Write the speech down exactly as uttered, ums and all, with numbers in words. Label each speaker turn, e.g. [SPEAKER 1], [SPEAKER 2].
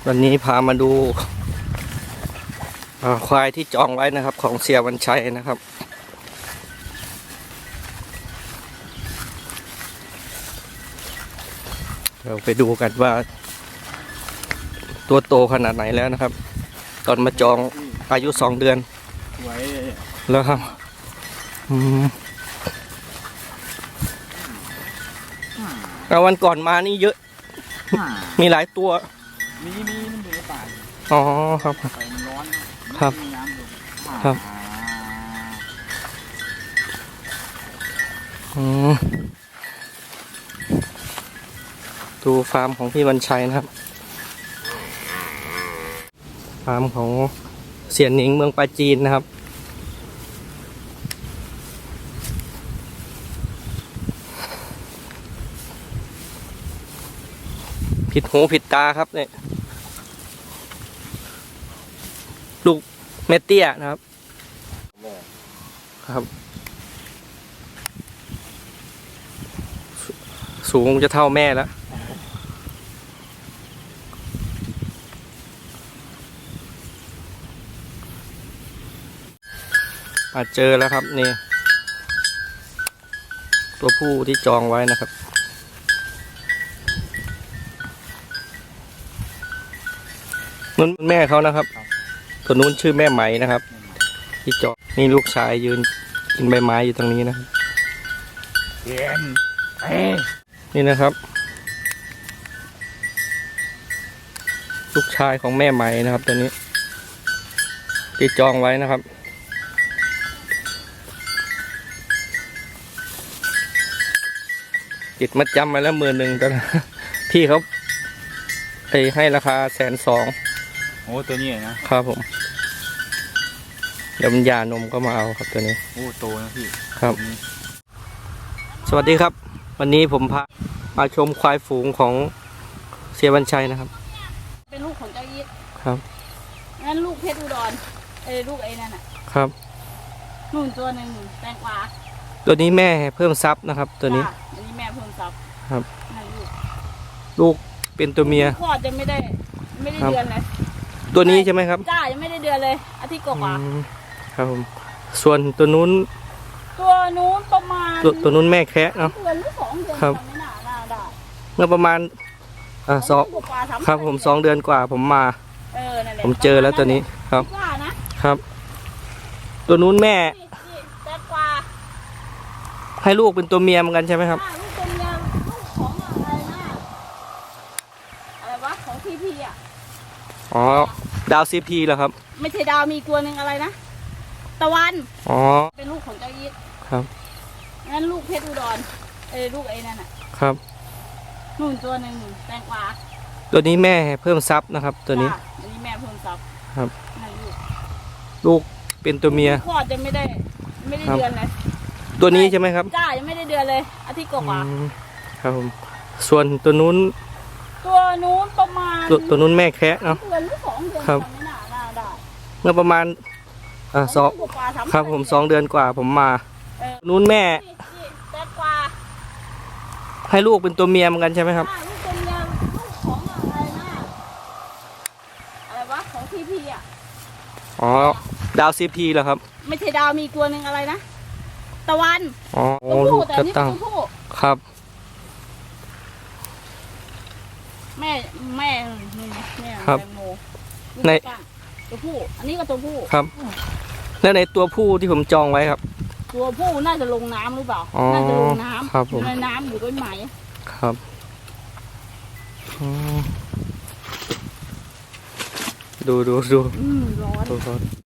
[SPEAKER 1] วันนี้พามาดูควายที่จองไว้นะครับของเสียวันชัยนะครับเราไปดูกันว่าตัวโตขนาดไหนแล้วนะครับตอนมาจองอายุสองเดือนแล้วครับแล้ววันก่อนมานี่เยอะมีหลายตัว
[SPEAKER 2] มีมีมันอยู่ในป่า
[SPEAKER 1] อ๋อครับ
[SPEAKER 2] ไฟมันร้อน
[SPEAKER 1] ครับครับอืมดูฟาร์มของพี่วันชัยนะครับฟาร์มของเสียนหนิงเมืองปาจีนนะครับผิดหูผิดตาครับเนี่ยลูกเมเตี้ยนะครับครับสูงจะเท่าแม่แล้วอาจเจอแล้วครับนี่ตัวผู้ที่จองไว้นะครับนั่นแม่เขานะครับตัวนู้นชื่อแม่ไหมนะครับที่จองนี่ลูกชายยืนกินใบไม้อยู่ตรงนี้นะครับนี่นะครับลูกชายของแม่ไหมนะครับตัวนี้ที่จองไว้นะครับติดมัดจำมาแล้วหมื่นหนึ่งตอนนั้นพี่เขาไปให้ราคาแสนสอง
[SPEAKER 2] โอ้ตัวนี้
[SPEAKER 1] นะครับผมเดี๋ยวมันยานมก็มาเอาครับตัวนี้
[SPEAKER 2] โอ้โตนะพี่
[SPEAKER 1] ครับสวัสดีครับวันนี้ผมพามาชมควายฝูงของเสียวันชัยนะครับ
[SPEAKER 3] เป็นลูกของเจ้ายิด
[SPEAKER 1] ครับ
[SPEAKER 3] งั้นลูกเพชรอุดรเอ้ลูกไอ้นั่นอ่ะ
[SPEAKER 1] ครับ
[SPEAKER 3] นุ่นตัวหนึ่งแตงกวา
[SPEAKER 1] ตัวนี้แม่เพิ่มซับนะครับตัวนี้
[SPEAKER 3] อันนี้แม่เพิ่มซับ
[SPEAKER 1] ครับลูกเป็นตัวเมีย
[SPEAKER 3] คลอดยังไม่ได้ไม่ได้เดือนเลย
[SPEAKER 1] ตัวนี้ใช่ไหมครับ
[SPEAKER 3] จ้ายังไม่ได้เดือนเลยอาทิตย์กว่า
[SPEAKER 1] ครับผมส่วนตัวนู้น
[SPEAKER 3] ตัวนู้นประมาณ
[SPEAKER 1] ตัวตัวนู้นแม่แคะเนาะ
[SPEAKER 3] เดือนหรือสองเดือน
[SPEAKER 1] ครับ
[SPEAKER 3] ไม่น่าน่าได้
[SPEAKER 1] เมื่อประมาณอ่าสองครับผมสองเดือนกว่าผมมาผมเจอแล้วตัวนี้ครับครับตัวนู้นแม่ให้ลูกเป็นตัวเมียเหมือนกันใช่ไหมครับ
[SPEAKER 3] ลูกตัวเมียลูกของอะไรนะอะไรวะของพีพีอ่ะ
[SPEAKER 1] อ๋อดาวซีพีเหรอครับ
[SPEAKER 3] ไม่ใช่ดาวมีตัวหนึ่งอะไรนะตะวัน
[SPEAKER 1] อ๋อ
[SPEAKER 3] เป็นลูกของเจ้ายิด
[SPEAKER 1] ครับ
[SPEAKER 3] งั้นลูกเพชรอุดรเอ้ลูกไอ้นั่นอ่ะ
[SPEAKER 1] ครับ
[SPEAKER 3] นุ่นตัวหนึ่งแตงกวา
[SPEAKER 1] ตัวนี้แม่เพิ่มซับนะครับตัวนี้
[SPEAKER 3] อันนี้แม่เพิ่มซับ
[SPEAKER 1] ครับลูกเป็นตัวเมีย
[SPEAKER 3] คลอดยังไม่ได้ไม่ได้เดือนเลย
[SPEAKER 1] ตัวนี้ใช่ไหมครับ
[SPEAKER 3] จ้ายังไม่ได้เดือนเลยอาทิตย์กว่า
[SPEAKER 1] ครับผมส่วนตัวนู้น
[SPEAKER 3] ตัวนู้นประมาณ
[SPEAKER 1] ตัวตัวนู้นแม่แคะเนาะ
[SPEAKER 3] เดือนหรือสองเดือนไม่น่าน่าได้
[SPEAKER 1] เมื่อประมาณอ่าสองครับผมสองเดือนกว่าผมมานู้นแม่
[SPEAKER 3] แตงกวา
[SPEAKER 1] ให้ลูกเป็นตัวเมียเหมือนกันใช่ไหมครับ
[SPEAKER 3] ลูกตัวเมียลูกของอะไรนะอะไรวะของพีพีอ่ะ
[SPEAKER 1] อ๋อดาวซีพีเหรอครับ
[SPEAKER 3] ไม่ใช่ดาวมีตัวหนึ่งอะไรนะตะวัน
[SPEAKER 1] อ๋อลูกจะตั้งครับ
[SPEAKER 3] แม่แม่แม่
[SPEAKER 1] ครับ
[SPEAKER 3] ในตัวผู้อันนี้ก็ตัวผู้
[SPEAKER 1] ครับแล้วในตัวผู้ที่ผมจองไว้ครับ
[SPEAKER 3] ตัวผู้น่าจะลงน้ำหรือเปล่าน่าจะลงน้ำ
[SPEAKER 1] ครับผม
[SPEAKER 3] ในน้ำอยู่ต้นไม้
[SPEAKER 1] ครับดูดูดู
[SPEAKER 3] ร้อน